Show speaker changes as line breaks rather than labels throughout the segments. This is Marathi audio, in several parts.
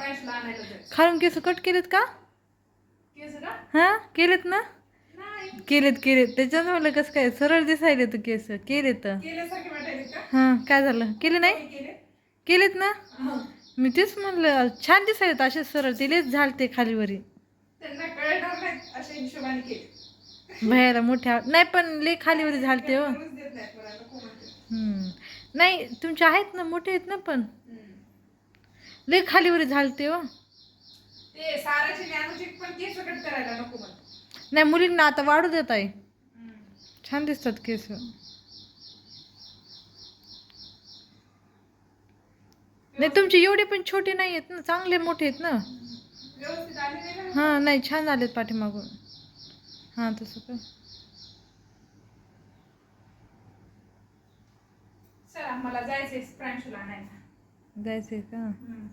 प्रांशूला आणायला जायचं.
खालून केस कट केलेत का?
केस का?
हा केलेत ना?
नाही.
केलेत त्याच्यानं म्हणलं कसं काय सरळ दिसायले तू केस केलेत.
केल्यासारखे वाटायले का?
हा काय झालं केले नाही?
कमी केले.
केलेत ना?
हा.
मी तेच म्हणलं छान दिसायलेत असे सरळ तिलेच झालते खालीवरी.
त्यांना कळणार नाही अशा हिशोबाने केले.
बाहेर मोठ्या नाही पण लय खालीवरी झालते हो.
करूच देत नाहीत मला, नको म्हणते.
नाही तुमचे आहेत ना मोठे आहेत ना पण
हम्म.
लय खालीवरी झालते हो.
ते साराची ज्ञानची पण केस कट करायला नको म्हणते.
नाही मुलींना आता वाढू देत आहे. छान दिसतात केस. नाही तुमचे एवढे पण छोटे नाही आहेत ना चांगले मोठे आहेत ना.
व्यवस्थित आले नाही ना.
हां नाही छान झालेत पाठीमागून. हां तसं का
चला मला जायचंय प्रांशूला आणायला.
जायचंय का?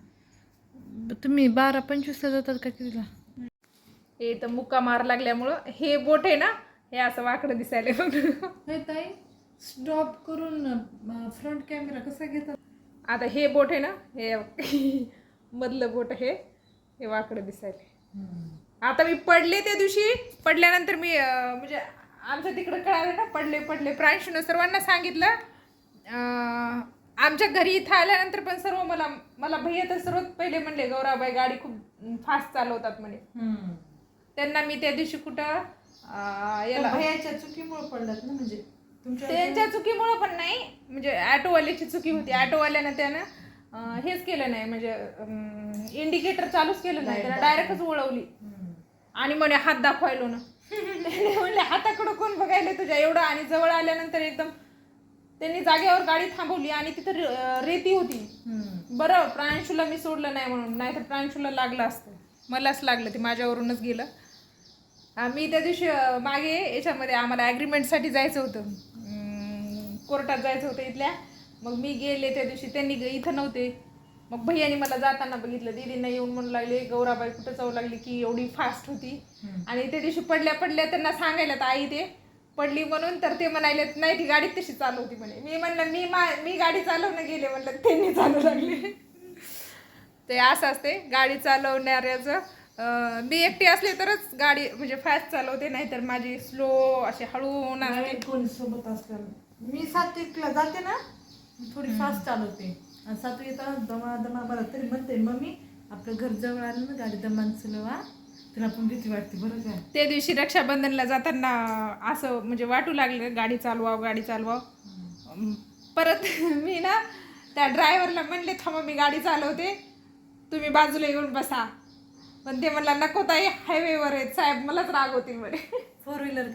तुम्ही 12:25ला जातात का कितीला?
हे तर मुक्का मार लागल्यामुळं हे बोट आहे ना हे असं वाकडं दिसायला
नाही ताई स्टॉप करून फ्रंट कॅमेरा कसा घेतात?
आता हे बोट आहे ना हे मधलं बोट हे वाकडं दिसायला. आता मी पडले त्या दिवशी पडल्यानंतर मी म्हणजे आमच्या तिकडं कळालं ना पडले प्रांशूनं सर्वांना सांगितलं. आमच्या घरी इथं आल्यानंतर पण सर्व मला भैया तर सर्वात पहिले म्हणले गौराबाई गाडी खूप फास्ट चालवतात म्हणे. त्यांना मी त्या दिवशी कुठं याला
भैयाच्या चुकीमुळे पडलात ना म्हणजे
त्यांच्या चुकीमुळं पण नाही म्हणजे ॲटोवाल्याची चुकी होती. ॲटोवाल्यानं त्यानं हेच केलं नाही म्हणजे इंडिकेटर चालूच केलं नाही त्याला डायरेक्टच वळवली आणि म्हणे हात दाखवायलो ना. म्हणले हाताकडं कोण बघायला तुझ्या एवढं आणि जवळ आल्यानंतर एकदम त्यांनी जागेवर गाडी थांबवली आणि तिथं रेती होती. बरं प्रांशूला मी सोडलं नाही म्हणून नाहीतर प्रांशूला लागलं असतं मलाच लागलं ते माझ्यावरूनच गेलं. मी त्या दिवशी मागे याच्यामध्ये आम्हाला ॲग्रीमेंटसाठी जायचं होतं कोर्टात जायचं होतं इथल्या. मग मी गेले त्या दिवशी त्यांनी इथं नव्हते. मग भैयानी मला जाताना बघितलं दीदींना येऊन म्हणू लागले गौराबाई कुठं जाऊ लागली की एवढी फास्ट होती. आणि त्या दिवशी पडल्या त्यांना सांगायला तर आई ते पडली म्हणून तर ते म्हणाले नाही ती गाडी तशी चालवती म्हणे. मी म्हणलं मी गाडी चालवणं गेले म्हणलं त्यांनी चालू लागले. ते असं असते गाडी चालवणाऱ्याचं. मी एकटी असले तरच गाडी म्हणजे फास्ट चालवते नाहीतर माझी स्लो अशी हळू होणार.
कोणी सोबत असल्यावर मी 7वीला जाते ना थोडी फास्ट चालवते आणि 7वी येताना दमा बरं तरी म्हणते मम्मी आपलं घर जवळ आलं ना गाडी दमान चलवा तुला पण भीती वाटते बरं का.
त्या दिवशी रक्षाबंधनला जाताना असं म्हणजे वाटू लागलं गाडी चालवाव. परत मी ना त्या ड्रायव्हरला म्हणले थांबा मी गाडी चालवते तुम्ही बाजूला येऊन बसा. पण ते म्हणला नको ताई हायवेवर आहेत साहेब मलाच राग होतील म्हणे.
4 व्हीलर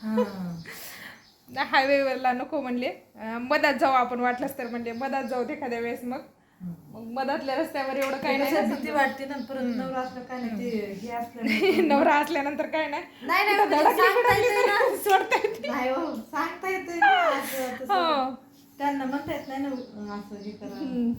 का?
हायवेवरला नको म्हणले मधात जाऊ आपण वाटलंच तर म्हणले मधात जाऊ एखाद्या वेळेस. मग मधातल्या रस्त्यावर एवढं काही नाही
भीती वाटते ना परत नवरा असलं काय नाही ते हे असलं
नवरा असल्यानंतर काय नाही
सांगता येते त्यांना म्हणता येत नाही ना असं हे करा.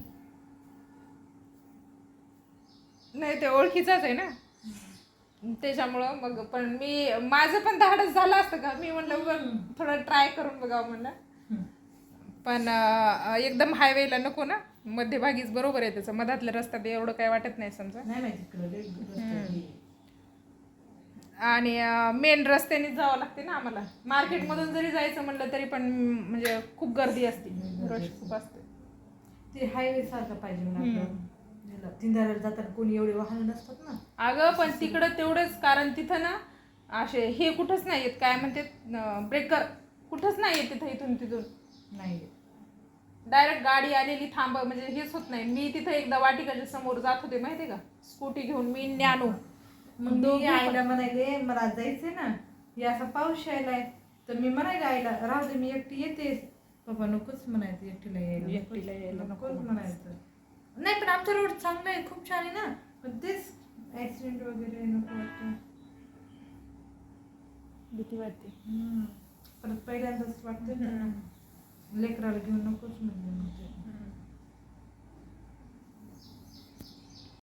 नाही ते ओळखीचाच आहे ना त्याच्यामुळं. मग पण माझं पण धाडस झालं असतं का मी म्हणलं थोडं ट्राय करून बघावं म्हणलं. पण एकदम हायवेला नको ना मध्यभागीच बरोबर आहे त्याचं मधातल्या रस्त्यात एवढं काय वाटत नाही समजा. आणि मेन रस्त्यानेच जावं लागते ना आम्हाला. मार्केटमधून जरी जायचं म्हणलं तरी पण म्हणजे खूप गर्दी असते रश खूप असते.
ते हायवे सारखं पाहिजे तिंदाऱ्याला जाताना कोणी एवढे वाहन नसतात ना.
अगं पण तिकडं तेवढंच कारण तिथं ना असे हे कुठंच नाही आहेत काय म्हणते ब्रेकर कुठंच नाही आहेत तिथं इथून तिथून
नाही
डायरेक्ट गाडी आलेली थांब म्हणजे हेच होत नाही. मी तिथं एकदा वाटिकाच्या समोर जात होते माहिती का स्कूटी घेऊन मी न्यानो.
मग दोघी आईला म्हणायले मला जायचंय ना हे असा पाऊस यायलाय तर मी म्हणायला आईला राहू दे मी एकटी येते. पप्पा नकोच म्हणायचं एकटीला यायला नकोच म्हणायचं. नाही पण आमचा रोड चांगला आहे खूप छान आहे ना पण तेच ऍक्सिडेंट वगैरे नको वाटतं
भीती वाटते.
परत पहिल्यांदाच वाटतं लेकराला घेऊन नकोच म्हणजे